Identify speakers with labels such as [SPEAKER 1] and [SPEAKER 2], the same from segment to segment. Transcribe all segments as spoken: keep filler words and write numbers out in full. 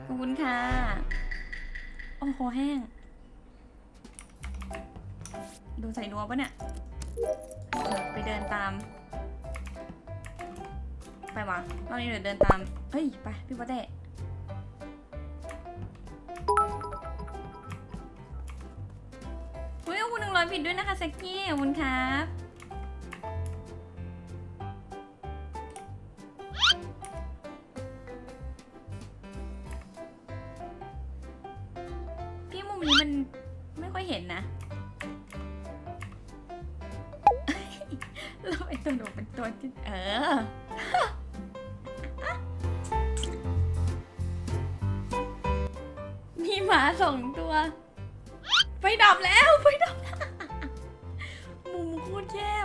[SPEAKER 1] ขอบคุณค่ะโอ้โหแห้งดูใส่นัวปะเนี่ยไปเดินตามไปวะรอบนี้เดี๋ยวเดินตามเฮ้ยไปพี่ปะเต้อุ้ยขอบคุณหนึ่งร้อยบิตด้วยนะคะแซกกี้ขอบคุณครับพี่มุมนี้มันไม่ค่อยเห็นนะเราไอตัวหนูเป็นตัวที่เออมีหมาสองตัวไฟดับแล้วไฟดับแล้วมุมโคตรแย่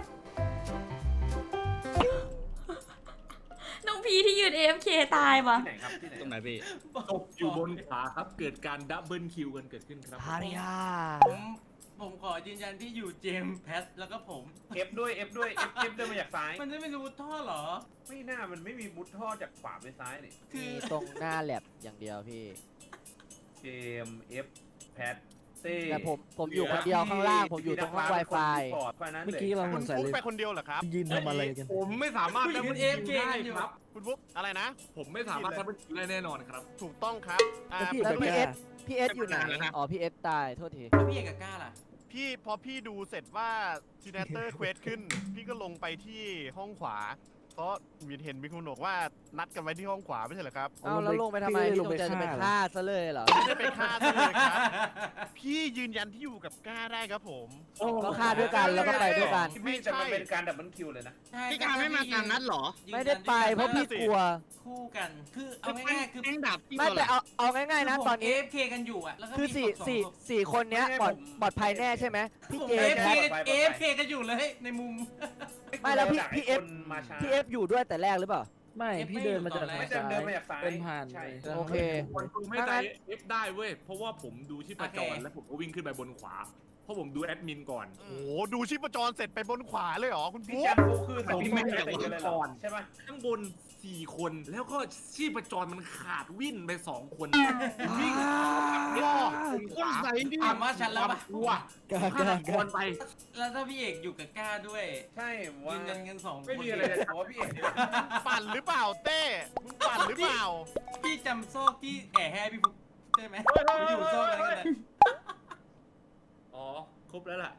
[SPEAKER 1] น้องพีที่ยืน เอ เอฟ เค ตายวะ
[SPEAKER 2] ที่ไหนครับที่ไหน
[SPEAKER 3] ตรงไหนพี่
[SPEAKER 4] ตกอยู่บนขวาครับเกิดการดับเบิลคิวกันเกิดขึ้นครับ
[SPEAKER 3] ฮาริยา
[SPEAKER 5] ผมผมขอยืนยันที่อยู่เจมส์แพทแล้วก็ผม
[SPEAKER 2] เอฟด้วยเอฟด้วยเอฟเอฟเดินมาจากซ้าย
[SPEAKER 5] มันจะไม่รู้ท่อเหรอ
[SPEAKER 2] ไม่น่ามันไม่มีมุดท่อจากขวาไปซ้ายนี่
[SPEAKER 5] คื
[SPEAKER 6] มี
[SPEAKER 5] อ
[SPEAKER 6] ตรงหน้าแลบอย่างเดียวพี่
[SPEAKER 2] เจมเอฟแพทเต้
[SPEAKER 6] แต่ผมผมอยู่คนเดียวข้างล่างผมอยู่ตรงห้อง Wi-Fi
[SPEAKER 2] เมื่อกี้เรา
[SPEAKER 3] คุณฟุกไปคนเดียวเหรอครับ
[SPEAKER 7] ยืนทำอะไรกัน
[SPEAKER 4] ผมไม่สามารถดับ
[SPEAKER 5] ยื
[SPEAKER 4] เบิ
[SPEAKER 5] น
[SPEAKER 4] ล
[SPEAKER 5] เอ
[SPEAKER 4] คิ
[SPEAKER 5] ฟ
[SPEAKER 4] ว
[SPEAKER 5] เค
[SPEAKER 4] ได้
[SPEAKER 5] กันอยู่
[SPEAKER 4] ครับ
[SPEAKER 3] คุณฟุกอะไรนะ
[SPEAKER 4] ผมไม่สามารถดับเบิลคิวได้แน่นอนครับ
[SPEAKER 3] ถูกต้องครับอ่า
[SPEAKER 7] แล้วพี่
[SPEAKER 6] แล้วพี่เอสพี่เอสอยู่ไหน
[SPEAKER 3] แล้วนะ
[SPEAKER 6] อ๋อพี่เอสตายโทษที
[SPEAKER 5] แล้วพี่เอกกับก้าล่ะ
[SPEAKER 3] พี่พอพี่ดูเสร็จว่าซีเนเตอร์เควสขึ้น พี่ก็ลงไปที่ห้องขวา เพราะมีเห็นมีคนบอกว่านัดกันไว้ที่ห้องขวาไม่ใช่เหรอครับ
[SPEAKER 6] เอาแล้วลงไปทำไม
[SPEAKER 7] พี่
[SPEAKER 6] พี่
[SPEAKER 7] ล
[SPEAKER 6] ล
[SPEAKER 7] ง
[SPEAKER 6] ง
[SPEAKER 7] ไป
[SPEAKER 6] ใจจะไป
[SPEAKER 7] ฆ่า
[SPEAKER 6] ฆ่าซะเลยเหรอ
[SPEAKER 3] ไม่ได้ไปฆ่าซะเลยครับ พี่ยืนยันที่อยู่กับก้าได้ครับผม
[SPEAKER 6] ก็ฆ่าด้วยกันแล้วก็ไปด้วยกัน
[SPEAKER 2] ไม่แต่มันเป็นการดับเบิลคิวเลยนะ
[SPEAKER 5] ใช่
[SPEAKER 8] พี่การไม่มาตามนัดเหรอ
[SPEAKER 5] ยืนยัน
[SPEAKER 6] ไม่ได้ไปเพราะพี่กลัว
[SPEAKER 5] คู่กัน คือเอาง่ายๆคือ
[SPEAKER 8] แม่งดับพี่
[SPEAKER 6] ไม่
[SPEAKER 8] ตัว
[SPEAKER 6] แต่
[SPEAKER 8] ละ
[SPEAKER 6] เอาเอาง่ายๆนะตอนนี้
[SPEAKER 5] เอฟเคกันอยู่อ่ะแล้วก็
[SPEAKER 6] คือ
[SPEAKER 5] มี
[SPEAKER 6] สี่
[SPEAKER 5] ศพสอง
[SPEAKER 6] สี่
[SPEAKER 5] ศพ
[SPEAKER 6] สี่คนเนี้ย
[SPEAKER 2] ไม่
[SPEAKER 6] ปลอด
[SPEAKER 2] ผม
[SPEAKER 6] ปลอดภัยแน่ใช่ไหมพี่
[SPEAKER 5] ผม
[SPEAKER 6] เจ
[SPEAKER 5] เอ
[SPEAKER 6] ม
[SPEAKER 5] ฟ
[SPEAKER 6] ส์
[SPEAKER 5] เค
[SPEAKER 6] แพท
[SPEAKER 5] เอฟเคกันอยู่เลยในมุม
[SPEAKER 6] ไม่แล้วพี่
[SPEAKER 2] จาก
[SPEAKER 6] พี่
[SPEAKER 2] ไอ้
[SPEAKER 6] เอฟ
[SPEAKER 2] คนมาช้า
[SPEAKER 6] พี่เอฟอยู่ด้วยแต่แรกหรือเปล่า
[SPEAKER 7] ไม่
[SPEAKER 5] เอฟ
[SPEAKER 7] พี่
[SPEAKER 5] ไม่
[SPEAKER 7] เดินมา
[SPEAKER 5] อยู่
[SPEAKER 7] จาก
[SPEAKER 5] ตอนแรก
[SPEAKER 2] ไม่
[SPEAKER 7] ทาง
[SPEAKER 2] เดิน
[SPEAKER 7] ซ้าย
[SPEAKER 2] เดินมาจากซ้าย
[SPEAKER 7] เดินผ่าน
[SPEAKER 2] ใช่
[SPEAKER 7] ไป
[SPEAKER 6] โอเค
[SPEAKER 4] คนคงไม่ใจเอฟได้เว้ยเพราะว่าผมดูชีพจรแล้วผมก็วิ่งขึ้นไปบนขวา เพราะผมดูแอดมินก่อน
[SPEAKER 3] โอ้โหดูชีพจรเสร็จไปบนขวาเลยเหรอคุณ
[SPEAKER 2] พี่
[SPEAKER 3] ฟุก
[SPEAKER 2] แจ็คโฟคือแต่พี่ไม่ได้ติดกันเลยเหรอใช่ปะ
[SPEAKER 4] ข้างบนสี่คนแล้วก็ชีพจรมันขาดวิ่นไปสองคนวิ่ง
[SPEAKER 3] ว้า
[SPEAKER 8] คนใส่ดิ
[SPEAKER 5] ถามว่าฉันแล้วปะ
[SPEAKER 4] กลัว
[SPEAKER 7] กล้าก
[SPEAKER 4] ฆา
[SPEAKER 7] ล้า
[SPEAKER 4] ต
[SPEAKER 7] ก
[SPEAKER 4] ก
[SPEAKER 7] ล้าร
[SPEAKER 4] ไป
[SPEAKER 5] แล้วถ้าพี่เอกอยู่กับก้าด้วย
[SPEAKER 2] ใช่ว่า
[SPEAKER 5] ยืนยันกันสองคน
[SPEAKER 2] ไม่มีอะไรเลยแต่ว่าพี่เอก
[SPEAKER 3] ปั่นหรือเปล่าเต้มึงปั่นหรือเปล่า
[SPEAKER 5] พี่จำโซ่ที่แอบให้พี่ฟุกได้ไหมอยู่โซ่กันกันเลย
[SPEAKER 4] อ๋อครบแล้วล่ะ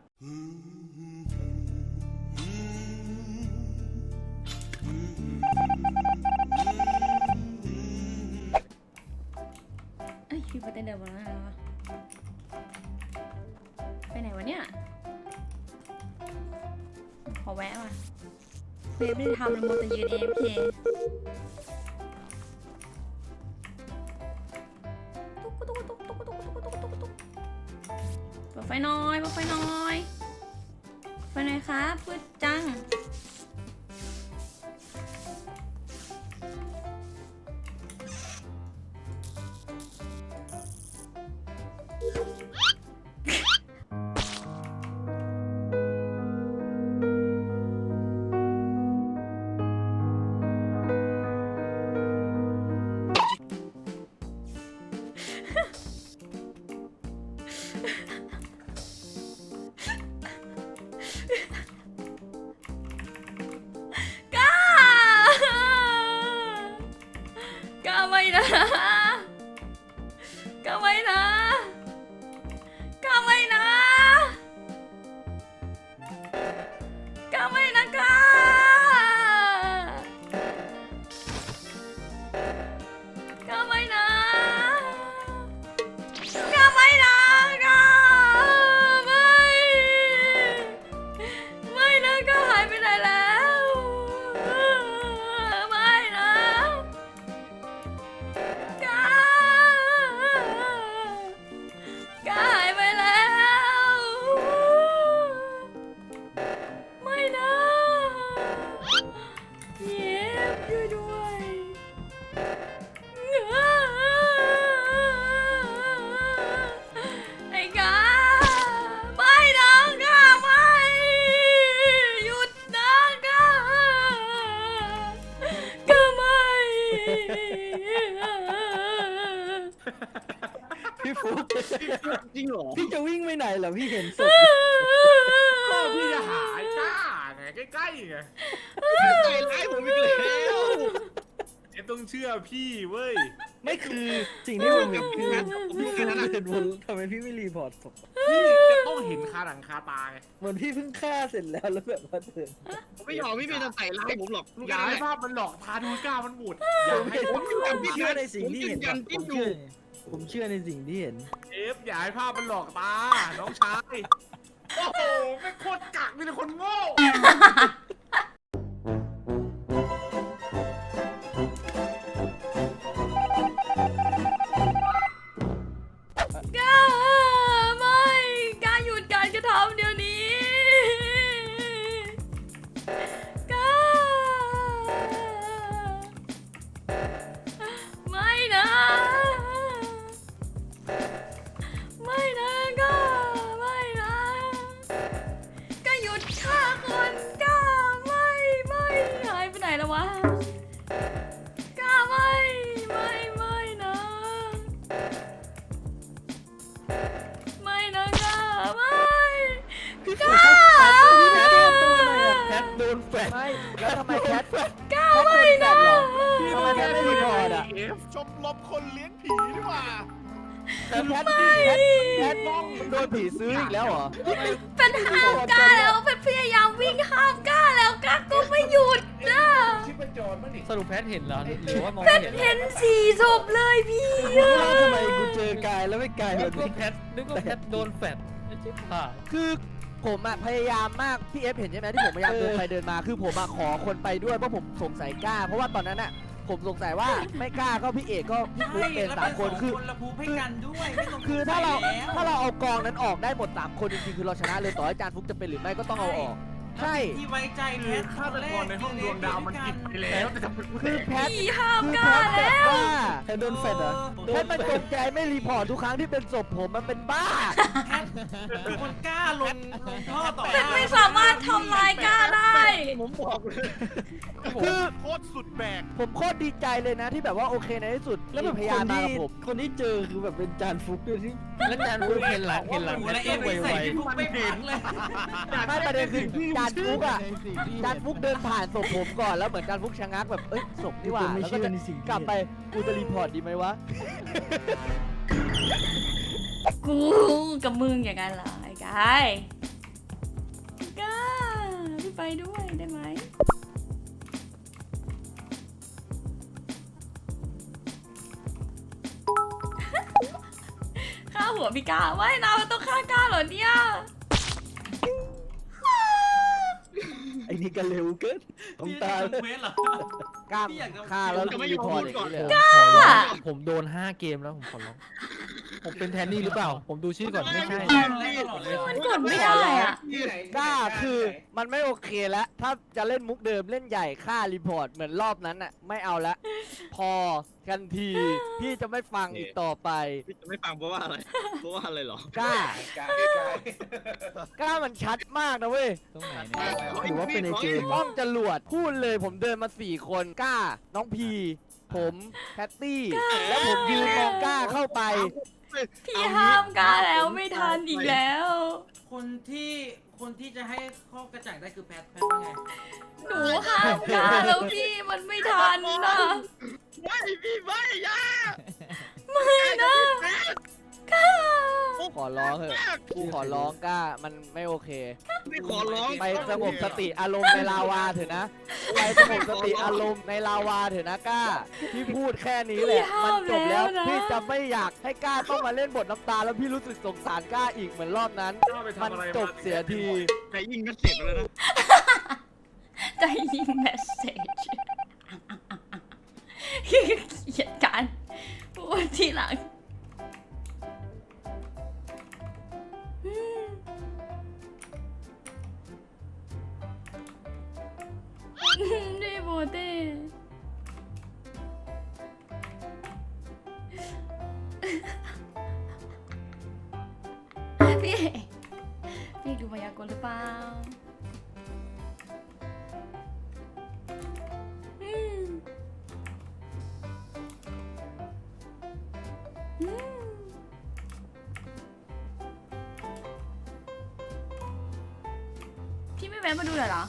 [SPEAKER 1] เอ้ยพี่ปะเต้เดินมาแล้ววะไปไหนวะเนี่ยขอแวะว่ะเฟซไม่ได้ทำเลยมัวแต่ยืน เอ เอฟ เค ตุ๊กตุ๊กตุ๊กตุ๊กตุ๊กตุ๊กตุ๊กตุ๊กตุ๊กเปิดไฟหน่อยเปิดไฟหน่อยไฟหน่อยครับพืดจัง
[SPEAKER 6] ฟุก
[SPEAKER 8] จริงเหรอ
[SPEAKER 6] พี่จะวิ่งไปไหนเหรอพี่เห็นศพ
[SPEAKER 4] ก็พี่จะหายกล้าไงใกล้ๆไง
[SPEAKER 8] ใจร้ายผมอีกแล้ว
[SPEAKER 4] เอฟต้องเชื่อพี่เว้ย
[SPEAKER 6] ไม่คือสิ่งที่ผมเห็นคือพี่คือเห็นวนทำไมพี่ไม่รีพอร์ตศพ
[SPEAKER 4] พี่จะต้องเห็นคาหนังคาตาไง
[SPEAKER 6] เหมือนพี่เพิ่งฆ่าเสร็จแล้วแล้วแบบว่าเดิน
[SPEAKER 8] ผมไม่ยอมไม่มีแต่ใส่ร้ายผมหรอกลูก
[SPEAKER 4] อย่า
[SPEAKER 8] แม่
[SPEAKER 4] ให้ภาพมันหลอกพาดูกล้ามันหมุดอย่าให้
[SPEAKER 8] ผมอยู่กับพี่
[SPEAKER 6] เชื่อในสิ่งที่เห็น
[SPEAKER 8] ผมยืนยัน
[SPEAKER 6] ผ
[SPEAKER 8] จิ้
[SPEAKER 6] ม
[SPEAKER 8] มอยู่
[SPEAKER 6] เชื่อผมเชื่อในสิ่งที่เห็น
[SPEAKER 4] เอฟอย่าให้ภาพมันหลอกตา น้องชาย โอ้โหไม่โคตรกักมีแต่คนโง่
[SPEAKER 1] กล้าไม่กล้าหยุดการกระทำเดี๋ยวนี้กล้าไม่นะไม่นะกล้าไม่นะกล้าหยุดฆ่าคนกล้าไม่ไม่หายไปไหนแล้ววะกล้าไม่ไม่ไม่นะ ไม่นะกล้าไม่กล้า
[SPEAKER 6] แคทโดนแฟดไม่แล้วทำไมแคท
[SPEAKER 1] กล้าไม่นะ
[SPEAKER 6] ทำไมแคทไม่รีพอร์ตอ่ะ
[SPEAKER 3] ชมรมคนเลี้ยงผีดีกว่า
[SPEAKER 6] แคทแคทแคทมองโดนผีซื้ออีกแล้วเหรอ
[SPEAKER 1] เป็นห้ามกล้าแล้วเป็นพยายามวิ่งห้ามกล้าแล้วกล้าก็ไม่หยุดนะ
[SPEAKER 7] สรุปแพทเห็นเหรอหรือว่ามอง
[SPEAKER 1] เป็
[SPEAKER 7] ไม่
[SPEAKER 1] น
[SPEAKER 7] เห็น
[SPEAKER 1] เห็นสี่ศพเลยพี่อะ
[SPEAKER 6] ว่าทำไมกูเจอกายแล้วไม่กาย
[SPEAKER 7] นึ
[SPEAKER 6] แบ
[SPEAKER 7] ก
[SPEAKER 6] บ
[SPEAKER 7] ว่า
[SPEAKER 6] นี้
[SPEAKER 7] แพทนึกว่าแพทโดนแฟดไอ้ชิบหาย
[SPEAKER 6] คือผมอะพยายามมากพี่เอฟเห็นใช่ไหมที่ผมพยายามเดินไปเดินมาคือผมอะขอคนไปด้วยเพราะผมสงสัยกล้า เพราะว่าตอนนั้นอะผมสงสัยว่าไม่กล้าก็พี่เอกก็พี่ฟุ๊กเป็นสามคนคือ
[SPEAKER 5] คนละภูมิให้กันด้วยไม่ต้อง
[SPEAKER 6] คือถ้าเรา
[SPEAKER 5] สงสัยแล้ว
[SPEAKER 6] ถ้าเราเอากองนั้นออกได้หมดสามคนจริงๆคือเราชนะเลยต่อให้จานฟุกจะเป็นหรือไม่ก็ต้องเอาออก ใช่
[SPEAKER 5] ที่ไว้ใจแพ
[SPEAKER 4] คือ
[SPEAKER 5] ท
[SPEAKER 4] ฆาตกรในห้องดวงดาวมันผิดไปแล้วแต่ทำไมกู
[SPEAKER 6] คือแพท
[SPEAKER 1] พี่ห้าม
[SPEAKER 6] คือก
[SPEAKER 1] ล้า
[SPEAKER 6] แพทแบบ
[SPEAKER 1] แล้ว
[SPEAKER 6] ว่าแพทโดนแฟดเหรอแพทมันจงใจไม่รีพอร์ตทุกครั้งที่เป็นศพผมมันเป็นบ้า
[SPEAKER 5] แพทเป็นคนกล้าลงลงท่อต่อ
[SPEAKER 1] เป็นไม่สามารถทำลายกล้าได้
[SPEAKER 8] ผมบอกเลย
[SPEAKER 6] คือ
[SPEAKER 3] โคตรสุดแบก
[SPEAKER 6] ผมโคตรดีใจเลยนะที่แบบว่าโอเคในที่สุดแล้วแบบพยานมากับผมคนที่เจอคือแบบเป็นจานฟุกด้วยที่
[SPEAKER 7] แล้วจานฟูเห็นหลังเห็นหลัง
[SPEAKER 5] หมู
[SPEAKER 7] แพท
[SPEAKER 5] และเอ
[SPEAKER 7] ก็
[SPEAKER 5] ฟ
[SPEAKER 7] ไว
[SPEAKER 5] ใส่
[SPEAKER 7] ไว
[SPEAKER 5] พี่ฟุกไม่พักเลย
[SPEAKER 6] ไม่ประเด็นคือจานฟุกอ่ะจานฟุกเดินผ่านศพผมก่อนแล้วเหมือนจานฟุกชะงักแบบเอ้ยศพนี่หว่าแล้วก็จะกลับไปกูจะรีพอร์ตดีไหมวะ
[SPEAKER 1] กูกับมึงอย่างนั้นเหรอไอ้กายกล้าพี่ไปด้วยได้ไหมฆ่าหัวพี่กล้าไม่นะมันต้องฆ่ากล้าเหรอเนี่ย
[SPEAKER 6] ไอ้นี่ก็เร็วเกินต้อง
[SPEAKER 5] พี่
[SPEAKER 6] ตา
[SPEAKER 5] จะทำเควสเหรอก
[SPEAKER 6] ล้าม
[SPEAKER 5] พี่อยากจะ
[SPEAKER 6] ฆ่าแล้วรีพอร์ตอย่างนี้เลยเหรอ
[SPEAKER 7] ขอร้องผมโดนห้าเกมแล้วผมขอร้องผมเป็นแทนนี่หรือเปล่า ผมดูชื่อก่อนไม่ใช่
[SPEAKER 1] มันกดไม่ได้อะ
[SPEAKER 6] กล้าคือมันไม่โอเคแล้วถ้าจะเล่นมุกเดิมเล่นใหญ่ฆ่ารีพอร์ตเหมือนรอบนั้นอ่ะไม่เอาละพอกันทีพี่จะไม่ฟังอีกต่อไป
[SPEAKER 8] พี่จะไม่ฟังเพราะว่าอะไร เพราะว่าอะไรเหรอ
[SPEAKER 6] กล้ากล้ามันชัดมากนะเว้ย
[SPEAKER 7] ตรงไหนเนี่ย
[SPEAKER 6] หรือว่าเป็นในเกมห้องจรวดพูดเลยผมเดินมาสี่คนกล้า น้องพี ผมแพตตี้ แล้วผมยืนมองกล้าเข้าไป
[SPEAKER 1] พี่ห้ามกล้าแล้วไม่ทันอีกแล้ว
[SPEAKER 5] คนที่คนที่จะให้ข้อกระจ่างได้คือแพทแพทว่าไง
[SPEAKER 1] หนูห้ามกล้าแล้วพี่มันไม่ทันนะ
[SPEAKER 8] ไม่พี่ไม่อยา
[SPEAKER 1] ไม่นะกล้า
[SPEAKER 6] ขอร้องเถอะกูขอร้องกล้ามันไม่โอเค
[SPEAKER 8] ไม่ขอร้อง
[SPEAKER 6] ไปสงบสติอารมณ์ในลาวาเถอะนะ ไปสงบสติอารมณ์ในลาวาเถอะนะกล้า พี่พูดแค่นี้แหละ มันจบแล้ว พี่จะไม่อยากให้กล้าต้องมาเล่นบทน้ำตาแล้วพี่รู้สึกสงสารกล้าอีกเหมือนรอบนั้น
[SPEAKER 4] กล้าไป
[SPEAKER 6] มัน
[SPEAKER 4] ทำอะไร
[SPEAKER 6] จบเสียที
[SPEAKER 8] แต่ยิงก็เสร็จแล้วนะ
[SPEAKER 1] ใจยิงเมสเซจเกลียดกันพูดทีหลังอืมดีโบเต้พี่พี่ดูมายากลหรือเปล่าอืมอืมแวะมาดูหน่อยเหรอ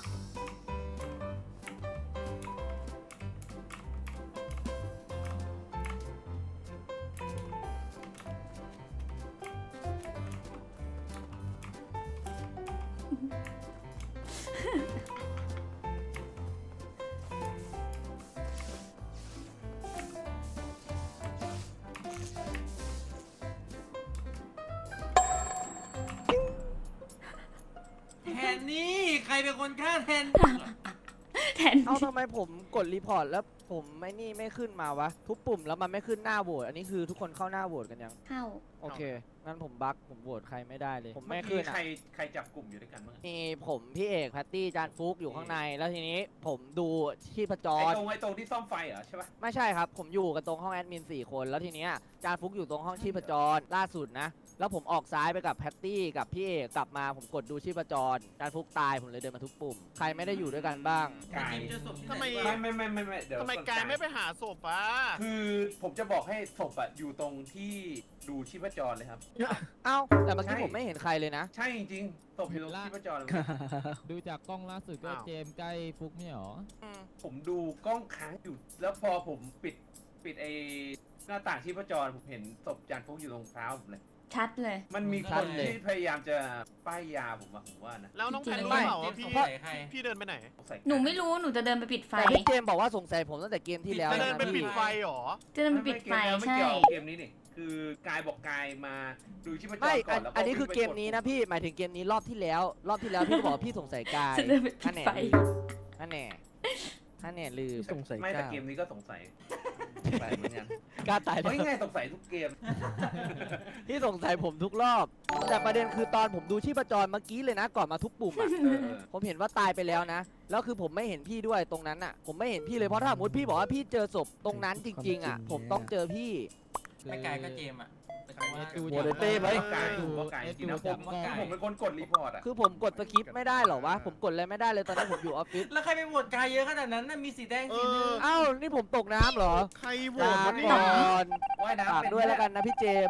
[SPEAKER 5] แทนนี่ใครเป็นคนฆ่าแทน
[SPEAKER 1] แทน
[SPEAKER 6] เอ้าทำไมผมกดรีพอร์ตแล้วผมไม่นี่ไม่ขึ้นมาวะ ทุกปุ่มแล้วมันไม่ขึ้นหน้าโหวตอันนี้คือทุกคนเข้าหน้าโหวตกันยัง
[SPEAKER 1] เข้า
[SPEAKER 6] โอเค งั้นผมบั๊กผมโหวตใครไม่ได้เลย ผม
[SPEAKER 2] เมื่
[SPEAKER 6] ไม่
[SPEAKER 2] อ
[SPEAKER 6] ขึ้
[SPEAKER 2] กี้
[SPEAKER 6] น
[SPEAKER 2] ใคร
[SPEAKER 6] อ่ะ
[SPEAKER 2] ใครจับกลุ่มอยู่ด้วยกันบ้าง
[SPEAKER 6] มีผมพี่เอกแพตตี้จานฟุกอยู่ข้างใน แล้วทีนี้ผมดูชีพจ
[SPEAKER 2] ไอ้
[SPEAKER 6] ร
[SPEAKER 2] ตรงไอ้ตรงที่ซ่อมไฟเหรอใช่ปะ
[SPEAKER 6] ไม่ใช่ครับ ผมอยู่กันตรงห้องแอดมินสี่คน แล้วทีเนี้ยจานฟุกอยู่ตรงห้องชีพจรล่าสุดนะ แล้วผมออกซ้ายไปกับแพตตี้กับพี่เอกกลับมาผมกดดูชีพจรจานฟุกตายผมเลยเดินมาทุกปุ่ม ใครไม่ได้อยู่ด้วยกันบ้าง
[SPEAKER 2] กาย
[SPEAKER 5] เจอศพที่
[SPEAKER 3] ทำไม
[SPEAKER 5] ไหน
[SPEAKER 2] ไม่ไม่ไม่ไม่ไม่เดี๋ยว
[SPEAKER 3] ทำไม
[SPEAKER 2] ก่อน
[SPEAKER 3] กายไม่ไปหาศพอ่ะ
[SPEAKER 2] คือผมจะบอกให้ศพอะอยู่ตรงที่ดูชีพจรเลยครับ
[SPEAKER 6] เอ้า แต่เมื่อกี้
[SPEAKER 2] ใช่
[SPEAKER 6] ผมไม่เห็นใครเลยนะ
[SPEAKER 2] ใช่จริงๆศพอยู่ตรงชีพจรเลย
[SPEAKER 9] ดูจากกล้องล่าสุดก็เจมส์ใกล้ฟุกไม่หรอ
[SPEAKER 2] ผมดูกล้องค้างอยู่ แล้วพอผมปิดปิดไอ้หน้าต่างชีพจรผมเห็นศพจานฟุกอยู่ตรงเท้าผมเลย
[SPEAKER 1] ชัดเลย
[SPEAKER 2] มันมี
[SPEAKER 6] ชั
[SPEAKER 2] ค
[SPEAKER 6] ด
[SPEAKER 2] น
[SPEAKER 6] เลย
[SPEAKER 2] ที่พยายามจะป้ายยาผมอะผมว่านะ
[SPEAKER 3] แล้วน้องแพน
[SPEAKER 1] จริงๆ
[SPEAKER 3] รู้เปล่าว่า
[SPEAKER 5] เจมส์
[SPEAKER 3] พี่
[SPEAKER 5] สงสัยใคร
[SPEAKER 3] พี่เดินไปไหน
[SPEAKER 2] ใส่
[SPEAKER 1] หนูไม่รู้หนูจะเดินไปปิดไฟ
[SPEAKER 6] แต่พี่เจมส์บอกว่าสงสัยผมตั้งแต่เกมที่แล้ว
[SPEAKER 3] จะเดิน
[SPEAKER 6] นะ
[SPEAKER 3] ไปปิ
[SPEAKER 6] พี่
[SPEAKER 3] ดไฟเหรอ
[SPEAKER 1] จะเดินไปปิดไฟ
[SPEAKER 2] ไม่
[SPEAKER 1] ใช่
[SPEAKER 2] เกี่ยวเกมนี้นี่คือกายบอกกายมาดูชีพจร
[SPEAKER 6] ไม่
[SPEAKER 2] ก่
[SPEAKER 6] อั
[SPEAKER 2] อน นแล้ว
[SPEAKER 6] อันนี้คือเกมนี้นะพี่ หมายถึงเกมนี้รอบที่แล้ว รอบที่แล้วพี่ก็บอกว่าพี่สงสัยกาย
[SPEAKER 1] จะเดินไปปิ
[SPEAKER 6] นั่
[SPEAKER 1] ด
[SPEAKER 6] นแหน่
[SPEAKER 1] ไฟ
[SPEAKER 6] นั่นแน่นั่นแน่ลืม
[SPEAKER 2] สงสัยไม่แต่เกมนี้ก็สงสัยสงสัยเหมือนกัน
[SPEAKER 6] กล้าตายแล้
[SPEAKER 2] เฮ้
[SPEAKER 6] วย
[SPEAKER 2] ง่ายสงสัยทุกเกม
[SPEAKER 6] พี่สงสัยผมทุกรอบ แต่ประเด็นคือตอนผมดูชีพจรเมื่อกี้เลยนะ ก่อนมาทุกปุ่มอ่ะ
[SPEAKER 2] เออเออ
[SPEAKER 6] ผมเห็นว่าตายไปแล้วนะ แล้วคือผมไม่เห็นพี่ด้วยตรงนั้นอ่ะ ผมไม่เห็นพี่เลยเพราะถ้าสมมติพี่บอกว่าพี่เจอศพตรงนั้นจริง ๆ อ่ะ ผมต้องเจอพี่
[SPEAKER 5] ไม่ไกลก็เจมส์อ่ะแต่ว่า
[SPEAKER 9] ดู
[SPEAKER 6] โหวตเต้ไหม
[SPEAKER 2] ว่ากายผมว่ากายจริงๆนะผมผมเป็นคนกดรีพอร์ตอ่ะ
[SPEAKER 6] คือผมกดสกิปไม่ได้เหรอวะ ผมกดอะไรไม่ได้เลยตอนนี้ผมอยู่ออฟฟิศ
[SPEAKER 5] แล้วใครไปโหวตกายเยอะขนาดนั้นน่ะมีสีแดงสีเหลือง
[SPEAKER 6] เอ้า นี่ผมตกน้ำเหรอ
[SPEAKER 3] ใครโหว
[SPEAKER 6] ลา
[SPEAKER 3] ตวะเนี่
[SPEAKER 6] ก่
[SPEAKER 3] ย
[SPEAKER 6] อน
[SPEAKER 2] ว่ายน้ำ
[SPEAKER 6] ฝาก
[SPEAKER 2] เป็น
[SPEAKER 6] ด้วยแล้วกันนะพี่เจมส์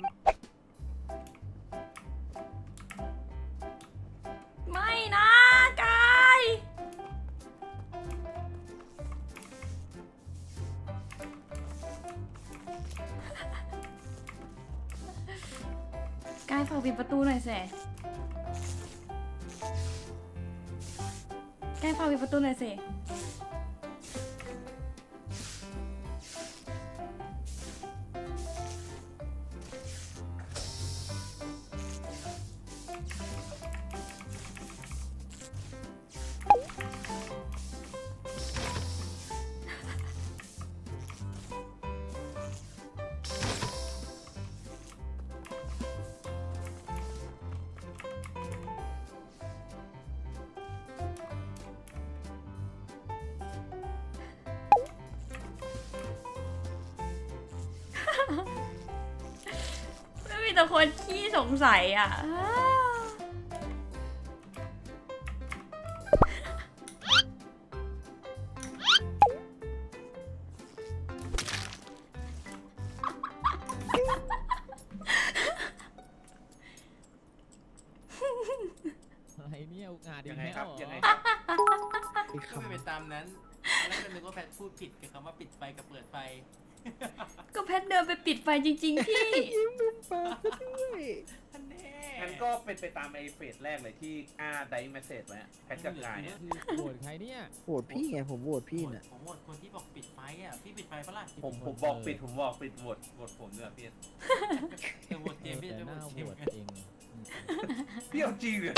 [SPEAKER 1] ไม่นะกาย กายฝากปิดประตูหน่อยสิกายฝากปิดประตูหน่อยสิไม่มีแต่คนขี้สงสัยอ่ะ
[SPEAKER 9] อะไรเนี่ยอุกอาจอี
[SPEAKER 2] ยั
[SPEAKER 9] ก
[SPEAKER 2] งไง
[SPEAKER 9] แล้ว
[SPEAKER 2] ครับ
[SPEAKER 9] เหรอ
[SPEAKER 2] ยังไงครับ
[SPEAKER 5] ก็ไม่เป็นตามนั้นแล้วก็นึกว่าแพทพูดผิดกับคำว่าปิดไฟกับเปิดไฟ
[SPEAKER 1] ก็แพทเดินไปปิดไฟจริง ๆ พี่
[SPEAKER 5] ท่านแน่
[SPEAKER 2] งั้นก็เป็นไปตามไอ้เฟสแรกเลยที่อาได้เมสเซจไว้อะแพทกับกายอะ
[SPEAKER 9] คือโหวตใครเนี่ย
[SPEAKER 6] โหวตพี่ไง ผมโหวตพี่น่ะ
[SPEAKER 5] ผมโหวตคนที่บอกปิดไฟอ่ะพี่ปิดไฟปะล่ะ
[SPEAKER 2] ผมผมบอกปิดผมบอกปิดโหวตโหวตผมด้วยพี่
[SPEAKER 5] เออโหวตเจมส์พี่
[SPEAKER 9] แต่
[SPEAKER 5] จะ
[SPEAKER 9] ห
[SPEAKER 5] โหว
[SPEAKER 9] น้า
[SPEAKER 5] ต
[SPEAKER 9] โห
[SPEAKER 5] เจม
[SPEAKER 9] วต
[SPEAKER 5] ส์
[SPEAKER 9] เอง
[SPEAKER 2] พี่เอาจริงเลย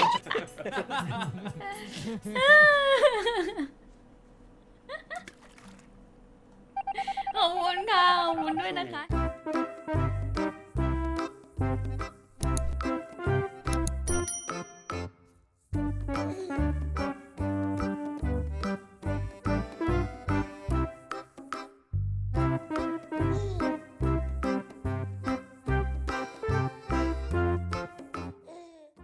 [SPEAKER 1] ขอบคุณค่ะ ขอบคุณด้วยนะคะ